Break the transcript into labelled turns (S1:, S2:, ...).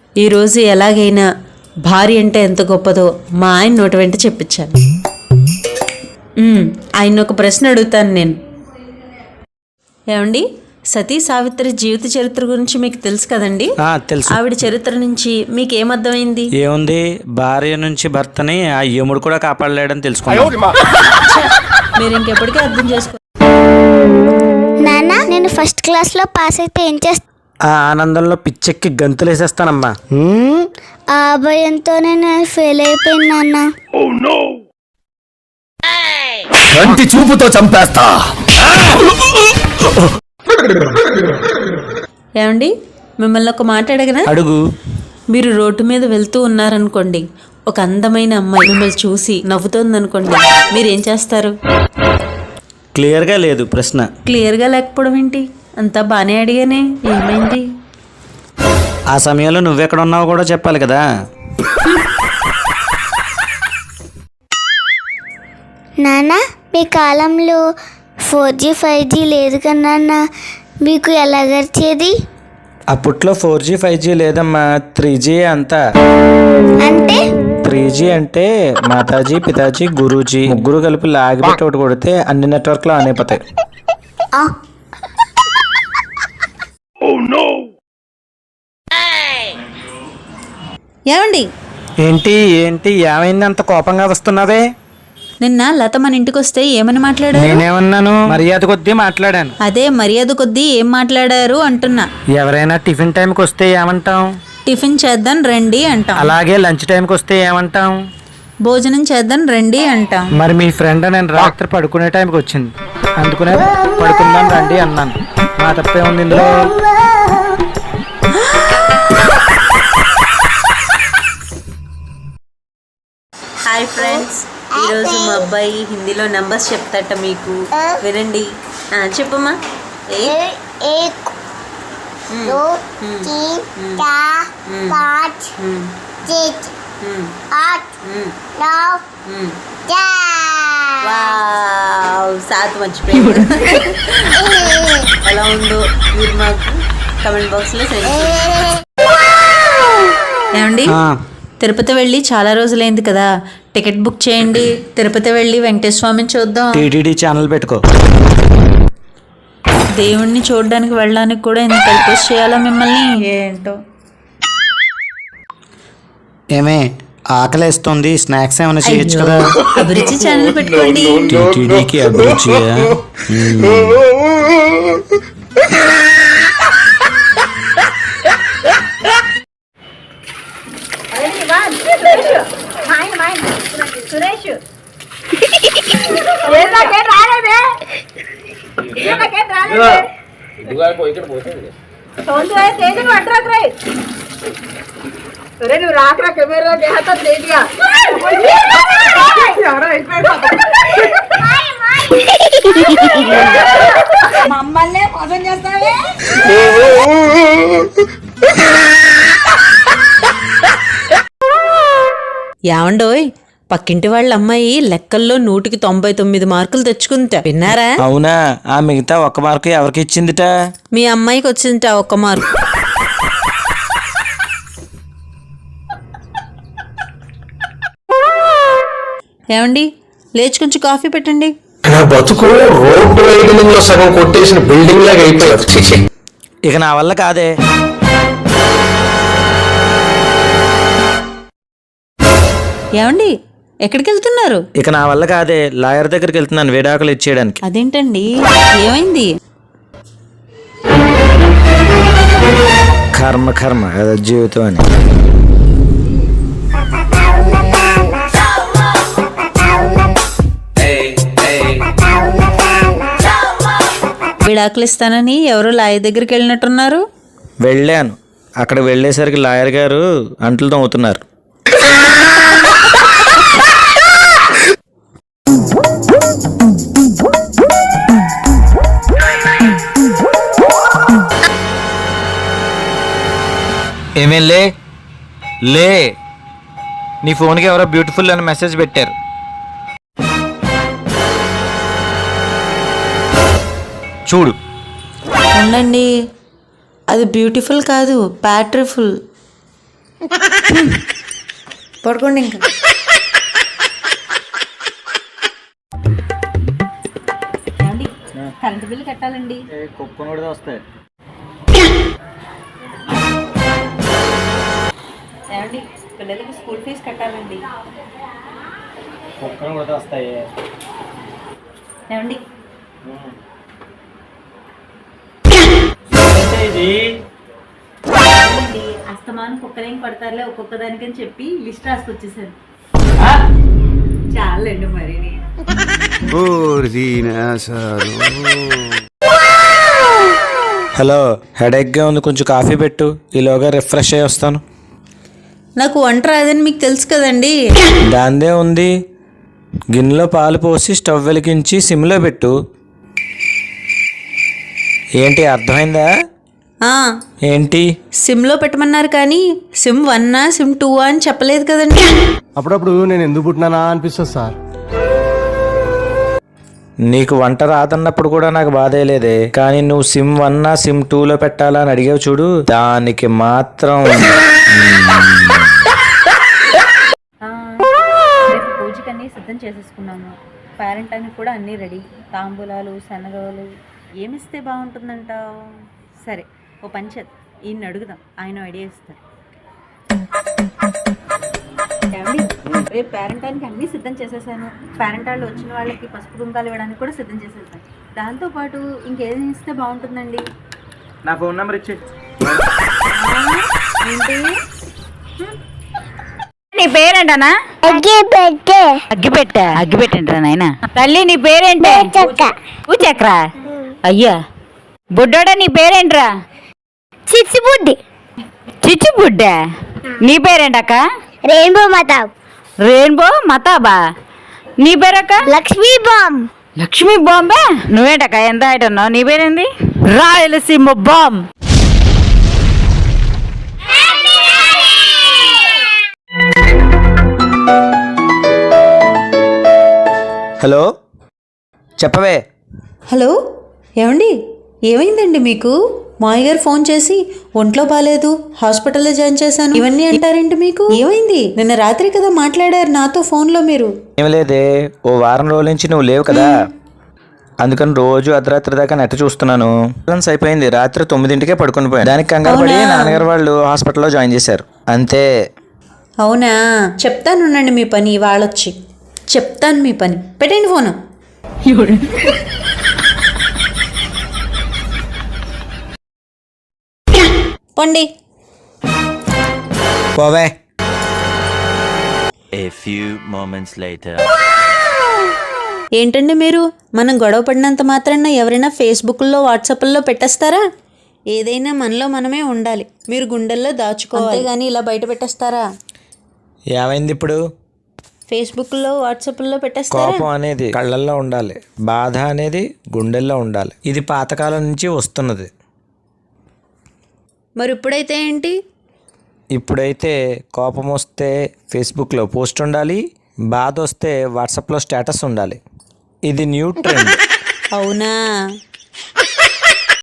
S1: ఈరోజు ఎలాగైనా భార్య అంటే ఎంత గొప్పదో మా ఆయన నోటి వెంట చెప్పించాను. ఆయన ఒక ప్రశ్న అడుగుతాను నేను. ఏమండి, సతీ సావిత్రి జీవిత చరిత్ర గురించి మీకు తెలుసు కదండి?
S2: తెలుసు.
S1: ఆవిడ చరిత్ర నుంచి మీకు ఏమర్థమైంది?
S2: ఏముంది, భార్య నుంచి భర్తని ఆ యముడు కూడా కాపాడలేడని తెలుసుకున్నాను.
S1: మీరు ఇంకెప్పటికీ అర్థం చేసుకో.
S3: నాన్న, నేను ఫస్ట్ క్లాస్ లో పాస్ అయితే ఏం చేస్తా?
S2: ఆ ఆనందంలో పిచ్చెక్కి గంతులు వేసేస్తానమ్మా.
S3: ఆ భయంతోనే నేను ఫెయిల్ అయిపోయింది నాన్న.
S4: కంటి చూపుతో చంపేస్తా.
S1: ఏమండి, మిమ్మల్ని ఒక మాట అడగనా?
S2: అడుగు.
S1: మీరు రోడ్డు మీద వెళ్తూ ఉన్నారనుకోండి, ఒక అందమైన అమ్మాయి మిమ్మల్ని చూసి నవ్వుతోందనుకోండి, మీరేం చేస్తారు?
S2: క్లియర్గా లేదు ప్రశ్న.
S1: క్లియర్గా లేకపోవడం ఏంటి? అంతా బాగానే అడిగానే, ఏమైంది?
S2: ఆ సమయంలో నువ్వెక్కడ ఉన్నావో కూడా చెప్పాలి కదా.
S3: నాన్న, మీ కాలంలో 4G 5G లేదు కదా నాన్న, మీకు ఎలా గడిచేది?
S2: అప్పట్లో 4G 5G లేదమ్మా, 3G అంతా.
S3: అంటే
S2: 3G అంటే మాతాజీ, పితాజీ, గురూజీ ముగ్గురు కలిపి లాగిపెట్టి ఒకటి కొడితే అన్ని నెట్వర్క్లు ఆన్ అయిపోతాయి.
S1: ఏమండి,
S2: ఏంటి ఏంటి ఏమైంది అంత కోపంగా వస్తున్నావే?
S1: నిన్న లత మన ఇంటికి వస్తే ఏమని మాట్లాడారు?
S2: నేనేమన్నాను? మర్యాద కొద్దీ మాట్లాడాను.
S1: అదే మర్యాద కొద్దీ ఏం మాట్లాడారు అంటున్నా.
S2: ఎవరైనా టిఫిన్ టైంకి వస్తే ఏమంటాం?
S1: టిఫిన్ చేద్దాం రండి అంటాం.
S2: అలాగే లంచ్ టైంకి వస్తే ఏమంటాం?
S1: భోజనం చేద్దాం రండి అంటాం.
S2: మరి మీ ఫ్రెండ్ నేను రాత్రి పడుకునే టైంకి వచ్చింది, అందుకునే పడుకుందాం రండి అన్నాను. మా తప్పే ఉంది ఇందులో?
S1: హాయ్ ఫ్రెండ్స్, ఈరోజు మా అబ్బాయి హిందీలో నంబర్స్ చెప్తాట, మీకు వినండి. చెప్పమ్మా.
S3: एक 2 3 4 5 6 8 9 10.
S1: సాత్ మర్చిపోయాడు. ఎలా ఉందో మీరు మాకు కమెంట్ బాక్స్లో సెండ్ చేయండి. ఏమండి, తిరుపతి వెళ్ళి చాలా రోజులైంది కదా, టికెట్ బుక్ చేయండి. తిరుపతి వెళ్ళి వెంకటేశ్వర స్వామిని చూద్దాం.
S2: టీటీడీ ఛానల్ పెట్టుకో.
S1: దేవుణ్ణి చూడడానికి వెళ్ళడానికి కూడా ఎంత రిక్వెస్ట్ చేయాలో మిమ్మల్ని, ఏంటో.
S2: ఏమే ఆకలేస్తుంది, స్నాక్స్ ఏమైనా చేయొచ్చు కదా?
S1: అభిరుచి ఛానల్ పెట్టుకోండి.
S2: టీటీడీకి అభిరుచియా?
S5: నువ్వు రాకరా కెమెరా మమ్మల్ని మోసం చేస్తావే.
S1: ఏమండోయ్, పక్కింటి వాళ్ళ అమ్మాయి లెక్కల్లో 100కి 99 మార్కులు తెచ్చుకుంటా, విన్నారా?
S2: అవునా? ఆ మిగతా 1 మార్కు ఎవరికి ఇచ్చిందిట?
S1: మీ అమ్మాయికి వచ్చిందిట 1 మార్కు. ఏమండి, లేచి కొంచెం కాఫీ పెట్టండి.
S4: నా బతుకు రోడ్డు వైడనింగ్ లో సగం కొట్టేసిన బిల్డింగ్ లాగా అయిపోయింది.
S2: ఇక నా వల్ల కాదే.
S1: ఏమండి, ఎక్కడికి వెళ్తున్నారు?
S2: ఇక నా వల్ల కాదే, లాయర్ దగ్గరికి వెళ్తున్నాను విడాకులు ఇచ్చేయడానికి.
S1: అదేంటండి, ఏమైంది?
S2: కర్మ కర్మ అదే జీవితం అని.
S1: విడాకులు ఇస్తానని ఎవరో లాయర్ దగ్గరికి వెళ్ళినట్టున్నారు.
S2: వెళ్ళాను, అక్కడ వెళ్ళేసరికి లాయర్ గారు అంట్లు తోముతున్నారు. ఏమేం లే లే, నీ ఫోన్కి ఎవరో బ్యూటిఫుల్ అని మెసేజ్ పెట్టారు. చూడు.
S1: ఉండండి, అది బ్యూటిఫుల్ కాదు, బ్యాటరీఫుల్. పడుకోండి ఇంకా. ఏమండి కరెంట్ బిల్లు కట్టాలండి.
S2: కుక్కను కూడా వస్తాయి.
S1: ఏమండి పిల్లలకి స్కూల్ ఫీజు కట్టాలండి.
S2: కుక్కను కూడా వస్తాయి.
S1: ఏమండి అస్తమానం కుక్కలేం పడతారులే ఒక్కొక్క దానికని చెప్పి లిస్ట్ రాసుకొచ్చేసాను. చాలండి మరి.
S2: హలో, హెడేక్గా ఉంది, కొంచెం కాఫీ పెట్టు, ఈలోగా రిఫ్రెష్ అయ్యి వస్తాను.
S1: నాకు వంట రాదని మీకు తెలుసు కదండి.
S2: దాందే ఉంది, గిన్నెలో పాలు పోసి స్టవ్ వెలిగించి సిమ్లో పెట్టు. ఏంటి అర్థమైందా? ఏంటి
S1: సిమ్లో పెట్టమన్నారు కానీ సిమ్ 1 సిమ్ 2 అని చెప్పలేదు కదండి.
S6: అప్పుడప్పుడు నేను ఎందుకు పుట్టినానా అనిపిస్తుంది సార్.
S2: నీకు వంట రాదన్నప్పుడు కూడా నాకు బాధే లేదే, కానీ నువ్వు సిమ్ 1 సిమ్ 2లో పెట్టాలా అని అడిగావు చూడు, దానికి మాత్రం.
S1: రేపు పూజకన్నీ సిద్ధం చేసేసుకున్నాము. పేరెంటానికి కూడా అన్నీ రెడీ. తాంబూలాలు, శనగలు ఏమిస్తే బాగుంటుందంటావు? సరే ఓ పంచత్ ఈయన్ని అడుగుదాం, ఆయన ఐడియా ఇస్తారు. ఏమండి రేపు పేరెంటానికి అన్నీ సిద్ధం చేసేసాను. పేరెంట్ వాళ్ళు వచ్చిన వాళ్ళకి పసుపు కుంకాలు ఇవ్వడానికి కూడా సిద్ధం చేసేసాను. దాంతోపాటు ఇంకేం ఇస్తే బాగుంటుందండి?
S2: నా ఫోన్ నెంబర్ ఇచ్చి.
S1: ఏంటి
S7: నీ పేరేంటనా? అగ్గిపెట్టంటారా నాయన? తల్లి నీ పేరేంటే? పూచక్రా. అయ్యా బుడ్డోడా నీ పేరేంట్రా?
S3: చిచ్చుబుడ్డి.
S7: చిచ్చుబుడ్డ. నీ పేరేంటక్క?
S3: రెయిన్బో మతాబ్.
S7: రెయిన్బో మతాబా. నీ పేరక్క?
S3: లక్ష్మీ బాంబ్.
S7: లక్ష్మీ బాంబే. నువ్వేంటక్క ఎంత హైట్ ఉన్నావు? నీ పేరేంది? రాయలసీమ బాంబ్.
S2: హలో, చెప్పవే.
S1: హలో ఏమండి ఏమైందండి మీకు? మాయ గారు ఫోన్ చేసి ఒంట్లో బాగాలేదు, హాస్పిటల్లో జాయిన్ చేశాను ఇవన్నీ అంటారేంటి? మీకు ఏమైంది? నిన్న రాత్రి కదా మాట్లాడారు నాతో ఫోన్లో మీరు.
S2: ఏం లేదే, ఓ వారం రోజుల నుంచి నువ్వు లేవు కదా, అందుకని రోజు అర్ధరాత్రి దాకా నెట్ చూస్తున్నాను. అయిపోయింది, రాత్రి 9ంటికే పడుకుని పోయాను. దానికి కంగారు పడి నాన్నగారు వాళ్ళు హాస్పిటల్లో జాయిన్ చేశారు, అంతే.
S1: అవునా? చెప్తానుండండి మీ పని, వాళ్ళొచ్చి చెప్తాను మీ పని. పెట్టండి ఫోను. పండి
S2: పోవే.
S8: A few moments later.
S1: ఏంటండి మీరు? మనం గొడవ పడినంత మాత్రాన ఎవరైనా ఫేస్బుక్లో వాట్సాప్లో పెట్టేస్తారా? ఏదైనా మనలో మనమే ఉండాలి. మీరు గుండెల్లో దాచుకోవాలి కానీ ఇలా బయట పెట్టేస్తారా?
S2: ఏమైంది ఇప్పుడు?
S1: ఫేస్బుక్లో వాట్సాప్లో పెట్టేస్తారా?
S2: కోపం అనేది కళ్ళల్లో ఉండాలి, బాధ అనేది గుండెల్లో ఉండాలి. ఇది పాతకాలం నుంచి వస్తున్నది.
S1: మరి ఇప్పుడైతే ఏంటి?
S2: ఇప్పుడైతే కోపం వస్తే ఫేస్బుక్లో పోస్ట్ ఉండాలి, బాధ వస్తే వాట్సాప్లో స్టేటస్ ఉండాలి. ఇది న్యూ ట్రెండ్.
S1: అవునా?